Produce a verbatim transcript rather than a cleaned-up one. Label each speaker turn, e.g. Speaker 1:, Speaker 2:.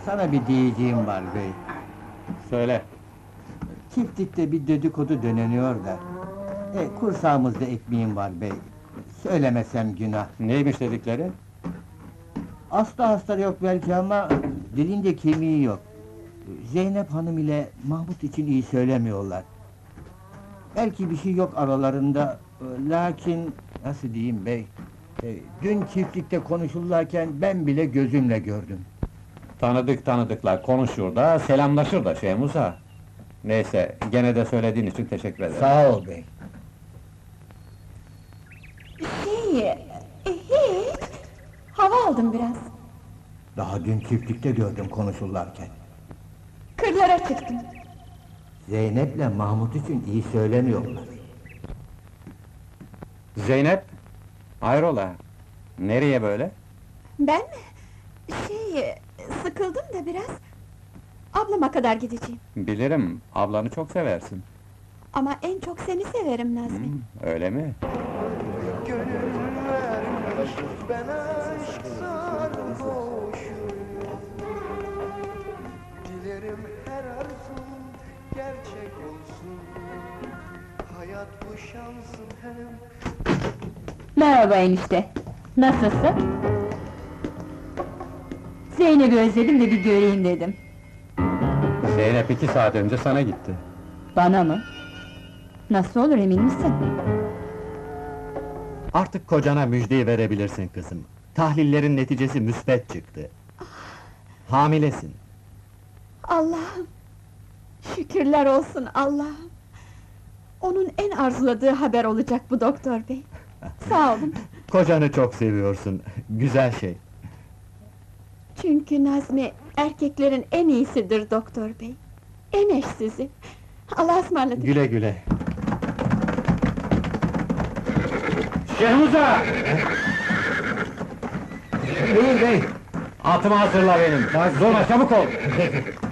Speaker 1: Sana bir diyeceğim var bey.
Speaker 2: Söyle.
Speaker 1: Çiftlikte bir dedikodu döneniyor da. E, kursağımızda ekmeğim var bey. Söylemesem günah.
Speaker 2: Neymiş dedikleri?
Speaker 1: Hasta hasta yok belki ama dilinde kemiği yok. Zeynep Hanım ile Mahmut için iyi söylemiyorlar. Belki bir şey yok aralarında, e, lakin nasıl diyeyim bey? E, dün çiftlikte konuşurlarken ben bile gözümle gördüm.
Speaker 2: Tanıdık tanıdıklar konuşur da, selamlaşır da şey Musa. Neyse, gene de söylediğin için teşekkür ederim.
Speaker 1: Sağ ol bey.
Speaker 3: Şey, e, hiç. Hava aldım biraz.
Speaker 1: Daha dün çiftlikte gördüm konuşurlarken.
Speaker 3: Kırlara çıktım.
Speaker 1: Zeynep'le Mahmut için iyi söylemiyorlar.
Speaker 2: Zeynep, hayrola? Nereye böyle?
Speaker 3: Ben mi? Şey, sıkıldım da biraz. Ablama kadar gideceğim.
Speaker 2: Bilirim, ablanı çok seversin.
Speaker 3: Ama en çok seni severim Nazmi.
Speaker 2: Hmm, öyle mi?
Speaker 4: Gönül vermiş, ben aşk sarhoşuyum. Dilerim her arzum gerçek olsun. Hayat bu şansın hem.
Speaker 5: Merhaba enişte. Nasılsın? Zeynep'i özledim de bir göreyim dedim.
Speaker 2: Zeynep iki saat önce sana gitti.
Speaker 5: Bana mı? Nasıl olur emin misin?
Speaker 6: Artık kocana müjdeyi verebilirsin kızım. Tahlillerin neticesi müsbet çıktı. Hamilesin.
Speaker 3: Allah'ım! Şükürler olsun Allah'ım! Onun en arzuladığı haber olacak bu doktor bey. Sağ olun.
Speaker 6: Kocanı çok seviyorsun. Güzel şey.
Speaker 3: Çünkü Nazmi erkeklerin en iyisidir doktor bey. En eşsizi. Allah'a ısmarladık.
Speaker 6: Güle güle.
Speaker 2: Şehmuza!
Speaker 1: Buyur bey.
Speaker 2: Atımı hazırla benim. Zorla çabuk ol!